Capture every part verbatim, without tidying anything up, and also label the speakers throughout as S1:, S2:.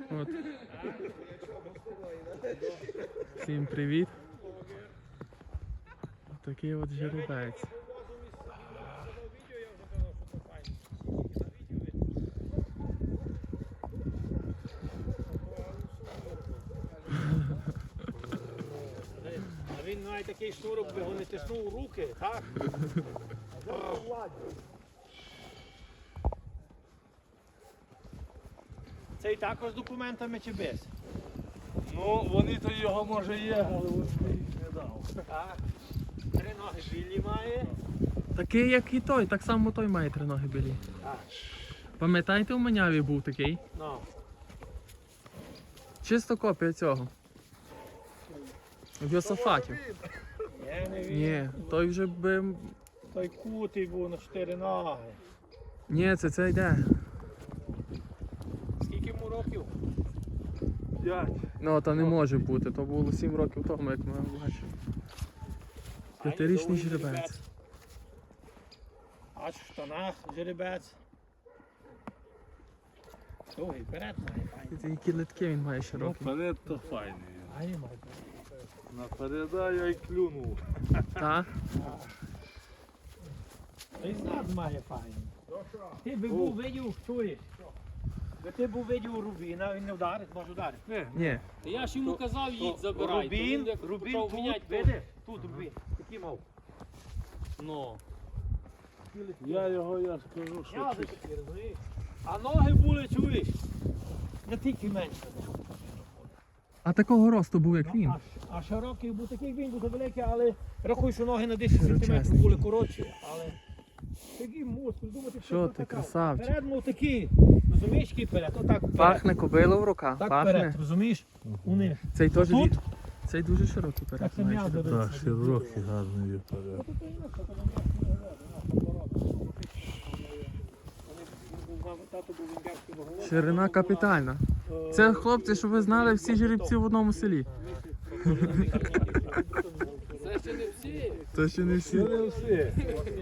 S1: От. Всім привіт. Такий от жеребець.
S2: А він має такий шнурок, би його не тиснув у руки, так? Цей також з документами чи без?
S3: Ну, вони то його може є, але він їх не дав.
S2: Так. Три ноги білі має.
S1: Такий, як і той, так само той має три ноги білі.
S2: Так.
S1: Пам'ятаєте, у Маняві був такий?
S2: Ну.
S1: Чисто копія цього. В Йосафатів.
S2: Я не він.
S1: Ні, той вже би...
S2: Той кутий був на чотири ноги.
S1: Ні, це це йде.
S2: Скільки йому років?
S3: П'ять.
S1: Ну, то не може бути, то було сім років тому, як ми бачили. П'ятирічний жеребець.
S2: Аж в штанах жеребець. Довгий, вперед має файний.
S1: Які литки він має
S3: Ну,
S1: широкі.
S3: вперед то файний.
S2: Ай, має.
S3: Напереда я й клюнув.
S1: Та?
S2: Той зад має файний. Ти би був видів, чуєш? Би ти був видів у Рубіна, він не вдарить, може вдарити.
S3: Не,
S1: Ні.
S4: Я ж йому казав, їдь забирай. то
S2: Рубін,
S4: він як
S2: Рубін
S4: почав
S2: тут,
S4: міняти, то-
S2: видиш? Тут Рубін, такий мав.
S4: Ну.
S3: я його, я скажу, що
S2: Я
S3: чуть.
S2: такі, розумієш? А ноги були, чуєш? Не тільки менше.
S1: А такого росту був, як він.
S2: А, а широкий був такий, він був великий, але рахуй, що ноги на десять
S1: Широчезний.
S2: сантиметрів були коротші. Але такий мускул, думати,
S1: Що ти, красавчик.
S2: Перед мов такий, розумієш, який перед? Отак перед.
S1: Пахне кобила в руках,
S2: Так
S1: пахне.
S2: перед, розумієш? У них.
S1: Цей теж
S2: Тут?
S1: від- Цей дуже широкий перед.
S2: Так це
S1: має
S2: м'ясо
S1: жеребець.
S2: береться.
S3: Так, широкий, гарний вперед.
S1: Ширина капітальна. Це, хлопці, щоб ви знали, всі жеребці в одному селі.
S4: Це ще не всі.
S1: Це ще не всі.
S3: Не всі.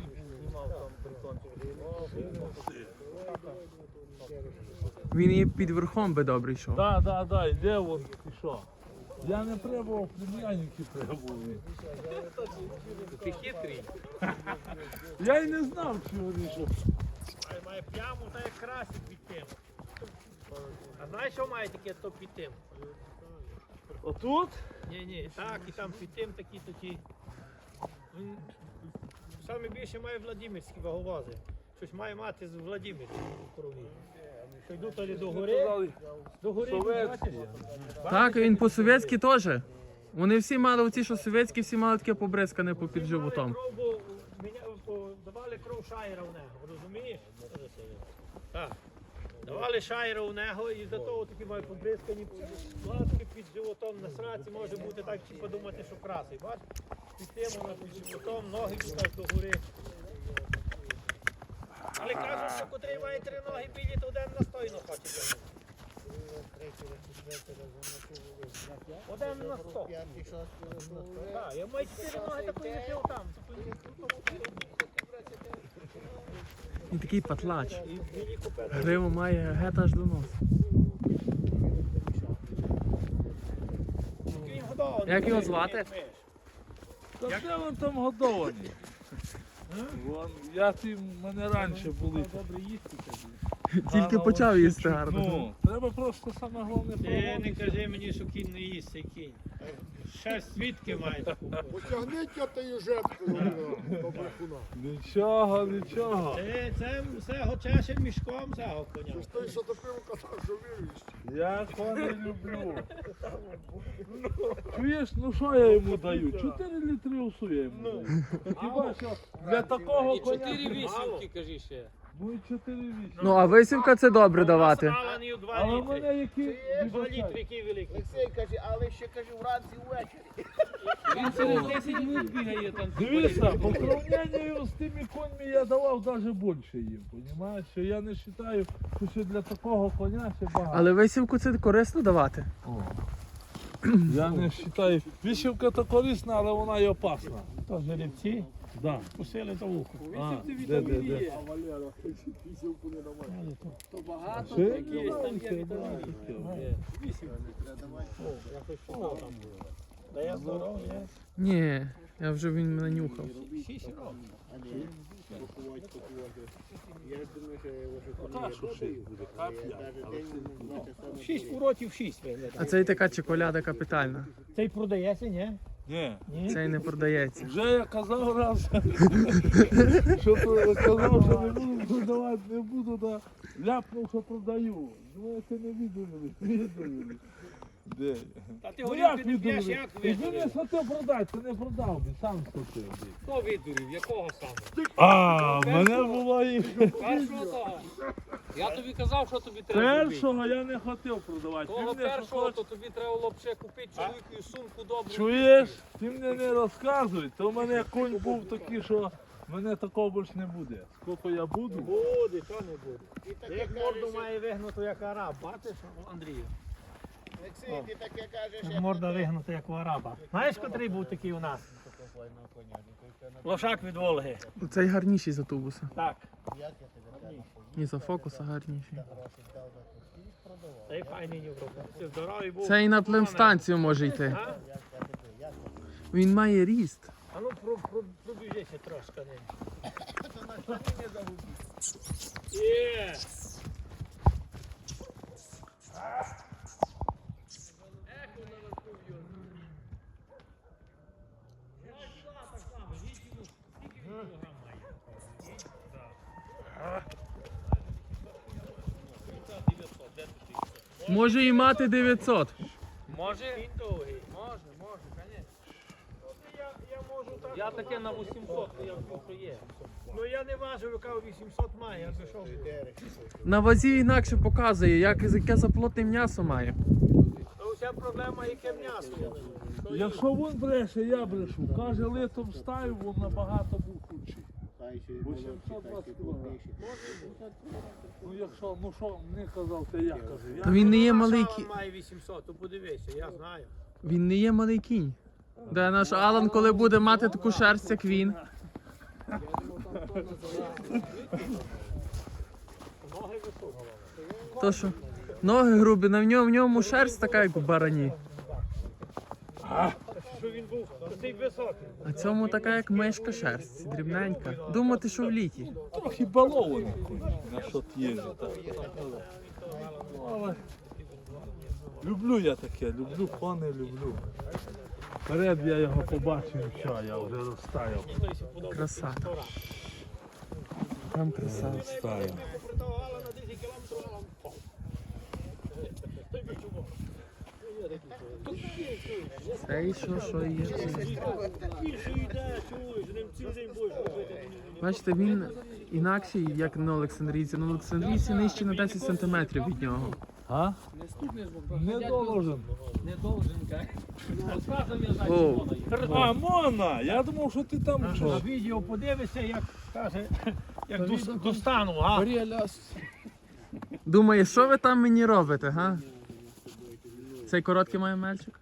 S1: Він і під верхом би добре йшов.
S3: Так, так, так, йде вон, і що? Я не пробував, племянники пробував.
S4: Ти хитрий.
S3: Я й не знав, чи вони що.
S2: Має, має пляму, та як красить під тим. А знаєш, що має таке, то під тим?
S3: Отут?
S2: Ні, ні, так, і там під тим такі такі. Він саме більше має Владимирські ваговози. Щось має мати з Владимирської в крові. Що йдуть тоді до гори,
S3: Казали,
S2: до гори,
S3: совєтські.
S2: бачиш?
S1: Так, він по-совєтськи теж. Вони всі мали оці, що совєтські, всі мали таке побризкане по під животом.
S2: Кров, бо міня- бо давали кров шаєра в нього, розумієш? Так. Давали шаєра у нього і за того такі мають побризкані ласки під животом на сраці, може бути так, чи подумати, що красий. Бачиш? Під тим вона під животом, ноги тут аж до гори. Але кажуть, що котрий має три ноги білі, то один настойно хоче тягнути. Один на сто. Так, я маю чотири ноги, такої не пив там.
S1: Він такий патлач.
S2: І білі купили.
S1: Гриву має геть аж до носу.
S2: Він годований.
S1: Як його звати?
S3: Та де вон там годовані? Вон, я ті, мене раніше були.
S2: Добре їсти тобі.
S1: Тільки
S3: Гарно
S1: почав
S3: вообще
S1: їсти
S3: чуть-
S1: гарно.
S3: Ну, треба просто саме головне
S2: Ти не
S3: проводити.
S2: кажи мені, що кінь не їсть, цей кінь. Ще свідки має таку.
S5: Потягніть тією жеткою до брехуна.
S3: Нічого, нічого.
S2: Це, це все гочеше мішком цього коня.
S5: Ти ж той, що допив, казав, що віриш.
S3: Я коні люблю. Чуєш, ну що я йому даю? Чотири літри усу я йому даю. Та хіба що для такого
S4: І
S3: коня...
S4: чотири вісімки, кажи ще.
S3: Ну і чотири вісім.
S1: Ну, а висівка це добре давати.
S2: Насралений у два
S3: Але в
S2: літри.
S3: мене які...
S2: Два літри, який великий.
S5: Олексій каже, але ще каже вранці ввечері.
S4: Він через десять минут бігає там.
S3: Дивися, по сравненню з тими коньми я давав навіть більше їм, розумієш? Що я не вважаю, що ще для такого коня ще багато.
S1: Але висівку це корисно давати.
S3: Я не вважаю. Вишивка то корисна, але вона і опасна.
S2: То жеребці.
S3: Да.
S2: Кусили за вухо.
S3: А,
S4: Вісім
S3: де, де,
S4: вітамінів
S3: де?
S4: є. То багато,
S3: Ще?
S4: так є, там є вітаміни. Є. Вісім.
S2: Да я здоровий, я.
S1: Ні, я вже він мене нюхав.
S2: Шість років.
S3: Пока що шість буде, капля.
S2: Шість уроків, шість виглядає.
S1: А це і така чоколяда капітальна.
S2: Цей продається, ні?
S3: Ні.
S2: Ні?
S1: Це й не продається.
S3: Вже я казав раз, що то казав, що не буду продавати, не буду, да ляпнув, що продаю. Думаєте, не відповіли, відповіли. Де?
S2: Та ти
S3: Ну
S2: горілки
S3: як
S2: не п'єш,
S3: відповіли?
S2: як
S3: Ти ж
S2: видурив?
S3: не схотів продати, ти не продав, би, сам схотів. би.
S4: Хто видурів? Якого саме?
S3: А, в мене було і
S4: Першого того. Я тобі казав, що тобі треба зробити.
S3: першого я не хотів продавати.
S4: Того
S3: Ти мене
S4: першого,
S3: хоч-
S4: то тобі треба було б ще купити чоловіку сумку добру.
S3: Чуєш? Ти мені не розказуй, то в мене конь був такий, що мене такого більше не буде. Скільки я буду?
S2: Буде, що не буде. Ти як морду має вигнуту, як араб, бачиш, Андрію?
S5: Олексій, ти таке кажеш,
S2: Морда вигнута, як у араба. Знаєш, котрий був такий у нас? Лошак від Волги.
S1: Цей гарніший за тубуса.
S2: Так.
S1: І за фокуса гарніший.
S2: Цей файний Європа. Ти здоровий був.
S1: Це і на племстанцію може йти.
S2: А?
S1: Він має ріст.
S2: А ну про, про, пробіжися трошки ним. Є!
S1: Може і мати дев'ятсот.
S4: Може?
S2: Він довгий.
S4: Може, може, звісно.
S2: Я, я можу так.
S4: Я таке на вісімсот, я вбив, що є.
S2: Ну я не важив, яка вісімсот має, я пішов.
S1: На вазі інакше показує, як, яке заплотне м'ясо має.
S2: То вся проблема, яке м'ясо.
S3: Якщо він бреше, я брешу. Каже, літом стаю, він набагато був худший. вісімсот двадцять кілограмів. Ну якщо, ну що, не казав, то я кажу.
S1: Та
S3: Я...
S1: він не є
S2: Наша
S1: малий
S2: Алан
S1: кінь.
S2: має вісімсот, то подивися, я знаю.
S1: Він не є малий кінь. Де наш Алан, коли буде мати таку шерсть, як він.
S2: Ноги високі.
S1: То що? Ноги грубі, на ньому, в ньому шерсть така, як у барані.
S2: Що він був цей високий.
S1: А цьому така, як мишка шерсть, дрібненька. Думати, що в літі.
S3: Трохи балований на що їжджу. Так. Ну, але люблю я таке, люблю кони, люблю. Вперед я його побачив, що я вже розстаяв.
S1: Краса. Там краса.
S3: Розстаяв.
S2: Протагувала на десять кілометрів, Алан впав.
S1: Це і що, що є.
S2: Більше йде, чуєш, ним цілий день будеш робити.
S1: Бачите, він інакший, як на Олександрійці. На Олександрійці нижче на десять сантиметрів від нього.
S3: А?
S4: Не стукнеш, бо
S3: Не должен.
S4: Не должен, так? Розказом я знаю,
S1: Оу.
S4: що вона є.
S3: А, Мона! Я думав, що ти там
S2: На
S3: що.
S2: відео подивишся, як каже, як до, до стану, а?
S1: Думає, що ви там мені робите, га? Цей короткий має мельчик?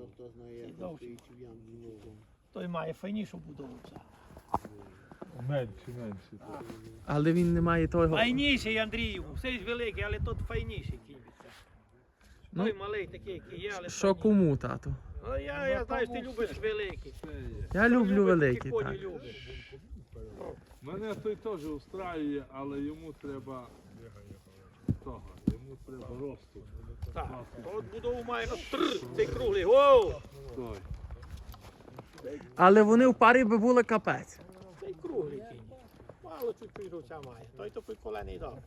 S2: Той має файнішу будову.
S3: Менше, менше.
S1: Але він не має того.
S2: Файніший, Андрію, все ж великий, але тут файніший кінь.
S1: Ну,
S2: Той малий такий, який є, але
S1: Що кому, тату?
S2: Ну, я, я знаю, що ти любиш великий.
S1: Я люблю великі,
S2: коні
S1: так.
S2: любиш.
S3: Мене той теж устраює, але йому треба того, йому треба росту.
S2: Так, от будову має на тр, цей круглий, воу!
S3: Той.
S1: Але вони в парі би були капець.
S2: Цей круглий кінь. Мало чуть-чуть руця має. Той то приколений дав.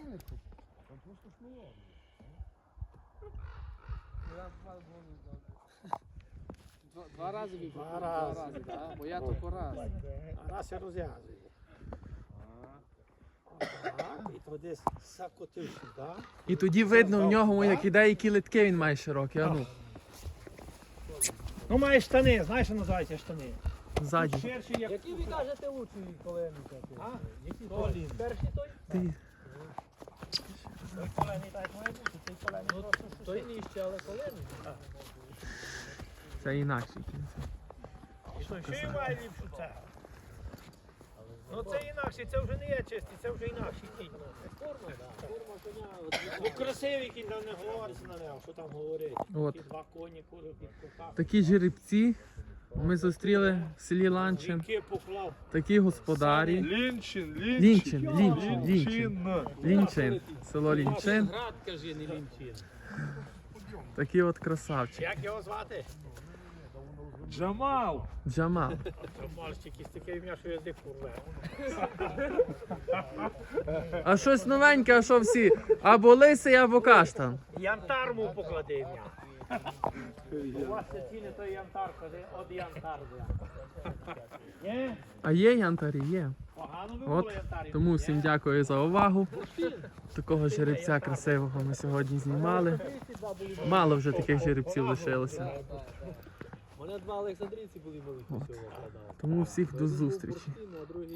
S4: Два, два рази вибив.
S2: Два рази.
S4: да? Бо я тільки раз.
S2: А раз я розв'язую. Так, і то десь закотив сюди.
S1: І тоді видно в нього, як іде, які литки він має широкі. А ну,
S2: Ну має штани, знаєш, що називається штани?
S1: ззаді.
S2: Ширші, як...
S4: Які ви кажете лучші колени?
S2: А? Які коліни? Перший той?
S1: Ти.
S2: Той колений так має бути, цей колений просто
S4: Той нижче, але колени.
S1: Це інакший кінь.
S2: І той ще й має ліпшу цегу. Ну це інакше, це вже не є чисті, це вже інакші кінь. Форма, так. Форма коня. Ну красивий кінь, там не говориться на нього, що там говорить.
S1: От.
S2: Ті два коні, кури під кутах.
S1: Такі жеребці ми зустріли в селі Ланчин.
S2: Вінки поклав.
S1: Такі господарі.
S3: Лінчин,
S1: Лінчин,
S3: Лінчин.
S1: Лінчин, Лінчин. Лінчин. Село Лінчин.
S4: Град, кажи, не лінчин.
S1: Такі от красавчики.
S2: Як його звати?
S3: Джамал.
S1: Джамал.
S2: Мальчик, якийсь таке ім'я, що язик порве.
S1: А щось новеньке, а що всі? Або лисий, або каштан.
S2: Янтар му поклади ім'я. У вас це ціни той янтар, коли от янтар. бля. Ні?
S1: А є янтарі, є.
S2: Погано би
S1: От,
S2: було янтарі.
S1: тому всім дякую за увагу. Такого жеребця красивого ми сьогодні знімали. Мало вже таких жеребців лишилося.
S4: У мене два Олександрійці були великі всього продав.
S1: Тому всіх до зустрічі.
S4: А другий